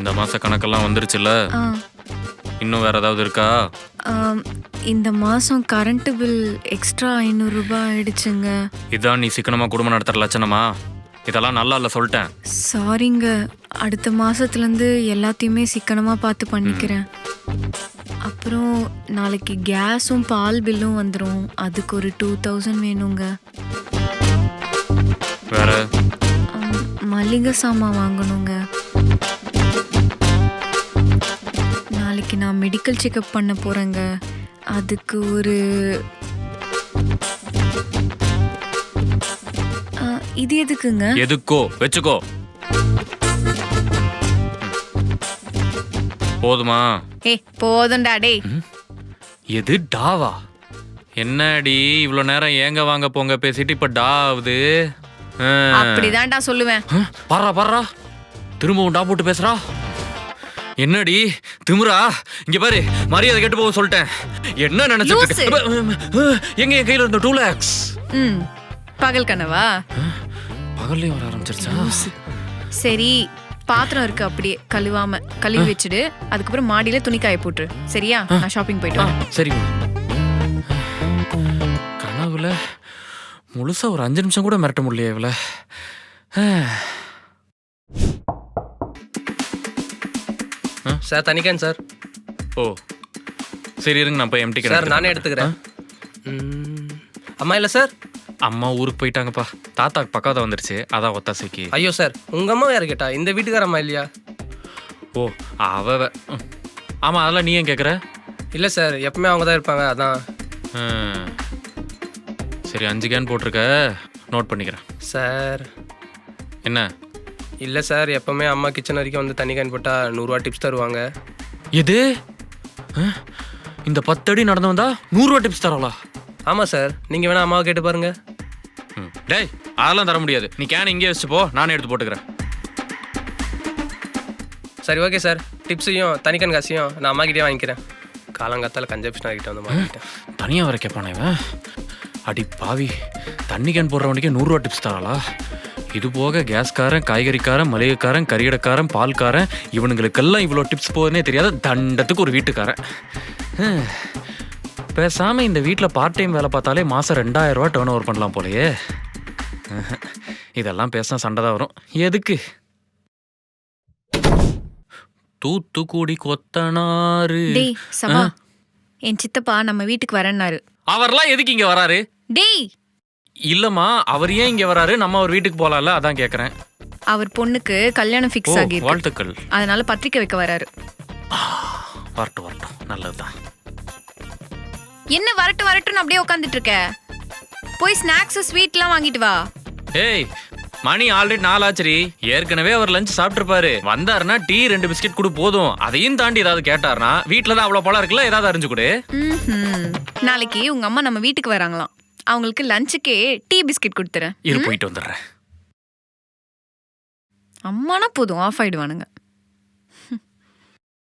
இந்த மாச கணக்கெல்லாம் வந்துருச்சுல்ல? ஆ, இன்னும் வேற ஏதாவது இருக்கா? ஆம், இந்த மாசம் கரண்ட் பில் எக்ஸ்ட்ரா 500 ரூபாய் ஆயிடுச்சுங்க. இதான் நீ சிக்கனமா குடும்பம் நடத்துற லட்சணமா? இதெல்லாம் நல்லா இல்ல சொல்லிட்டேன். சாரிங்க. அடுத்த மாசத்துலேருந்து எல்லாத்தையுமே சிக்கனமா பார்த்து பண்ணிக்கிறேன். அப்புறம் நாளைக்கு கேஸும் பால் பில்லும் வந்துடும். அதுக்கு ஒரு 2000 வேணுங்க. வேற மளிகை சாமான் வாங்கணுங்க. நாளைக்கு நான் மெடிக்கல் செக்கப் பண்ண போறேங்க. அதுக்கு ஒரு இது எதுக்குங்க? எதுக்கோ வச்சுக்கோ. போதுமா? போதும்டா டேய். எது டாவா? என்னடி இவ்வளவு நேரம் ஏங்க வாங்க போங்க பேசிட்டு இப்ப டா ஆகுது? அப்படிதான்டா சொல்லுவேன். பாரா பாரா திரும்பவும் டா போட்டு பேசுறா. என்னடி திமிரா? இங்க பாரு, மரியாதை கெட்டு போக சொல்லிட்டேன். என்ன நினைச்சிட்டு எங்க என் கையில இருந்த 2 lakhs? பகல் கனவா? பகல்லையும் வர ஆரம்பிச்சிருச்சா? சரி, பாத்திரம் இருக்கு, அப்படியே கழுவாம கழுவி வச்சுடு. அதுக்கப்புறம் மாடியில துணி காய போட்டுரு. சரியா? நான் ஷாப்பிங் போயிட்டு வரேன். சரிங்க. கனவுல முழுசா ஒரு 5 நிமிஷம் கூட மிரட்ட முடியல இவள. Sir தனிக்கேன் sir. ஓ சரி இருங்க, நான் போய் எம்டி சார் நானே எடுத்துக்கிறேன். அம்மா இல்லை சார்? அம்மா ஊருக்கு போயிட்டாங்கப்பா. தாத்தாக்கு பக்காவதா வந்துருச்சு, அதான் ஒத்தாசைக்கு. ஐயோ சார், உங்க அம்மா யாரு கேட்டா? இந்த வீட்டுக்கார அம்மா இல்லையா? ஓ ஆமா, அதெல்லாம் நீ ஏன் கேட்குற? இல்லை சார், எப்பவுமே அவங்க தான் இருப்பாங்க, அதான். சரி 5 கேன் போட்டிருக்க, நோட் பண்ணிக்கிறேன். சார் என்ன? இல்லை சார், எப்பவுமே அம்மா கிச்சன் வரைக்கும் வந்து தண்ணி கேன் போட்டால் 100 ரூபா டிப்ஸ் தருவாங்க. எது? இந்த 10 அடி நடந்து வந்தா 100 ரூபா டிப்ஸ் தரவளா? ஆமாம் சார், நீங்கள் வேணா அம்மாவை கேட்டு பாருங்க. டேய் அதெல்லாம் தர முடியாது. நீ கேன் இங்கே வச்சு போ, நானே எடுத்து போட்டுக்கிறேன். சரி ஓகே சார், டிப்ஸையும் தனிக்கன் காசையும் நான் அம்மா கிட்டே வாங்கிக்கிறேன். காலங்காத்தால் கன்சப்ஷன் ஆகிட்ட வந்து வாங்கிட்டேன். தனியாக வர கேட்பானே இவன். அடி பாவி, தண்ணி கேன் போடுறவனுக்கே 100 ரூபா டிப்ஸ் தராளா? இது போக கேஸ்காரன், காய்கறிக்காரன், மளிகைக்காரன், கறிகடைக்காரன், பால்காரன், இவனுங்களுக்கெல்லாம் இவ்வளோ டிப்ஸ் போகுதுன்னே தெரியாத தண்டத்துக்கு ஒரு வீட்டுக்காரன். பேசாமல் இந்த வீட்டில் பார்ட் டைம் வேலை பார்த்தாலே மாதம் 2000 ரூபா டர்ன் ஓவர் பண்ணலாம் போலையே. இதெல்லாம் பேசினா சண்டை தான் வரும். எதுக்கு? தூத்துக்குடி கொத்தனாரு. டேய் சபா, என் சித்தப்பா நம்ம வீட்டுக்கு வரேன்னாரு. அவர்லாம் எதுக்கு இங்க வராரு? டேய் இல்லம்மா, அவர் ஏன் இங்க வராரு? நம்ம அவர் வீட்டுக்கு போலாம்ல, அதான் கேக்குறேன். அவர் பொண்ணுக்கு கல்யாணம் ஃபிக்ஸ் ஆகிருக்கு. வாழ்த்துக்கள். அதனால பத்திரிக்கை வைக்க வராரு. வரட்டும் வரட்டும், நல்லதுதான். என்ன வரட்டுன்னு அப்படியே உட்காந்துட்டு இருக்க? போய் ஸ்நாக்ஸ் ஸ்வீட்லாம் வாங்கிட்டு வா. ஏய், மணி ஆல்ரெடி 4 ஆச்சுரி. ஏற்கனவே அவர் லஞ்ச் சாப்பிட்டுருப்பாரு. வந்தாருன்னா டீ 2 பிஸ்கெட் கொடு போதும். அதையும் தாண்டி ஏதாவது கேட்டாருன்னா, வீட்டுல தான் அவ்வளவு பழம் இருக்குல்ல, ஏதாவது அறிஞ்சு கொடு. நாளைக்கு உங்க அம்மா நம்ம வீட்டுக்கு வராங்களாம். அவங்களுக்கு லஞ்சுக்கே டீ பிஸ்கெட் கொடுத்துறேன். இரு, போயிட்டு வந்துடுறேன். அம்மானா போதும், ஆஃப் ஆயிடுவானுங்க.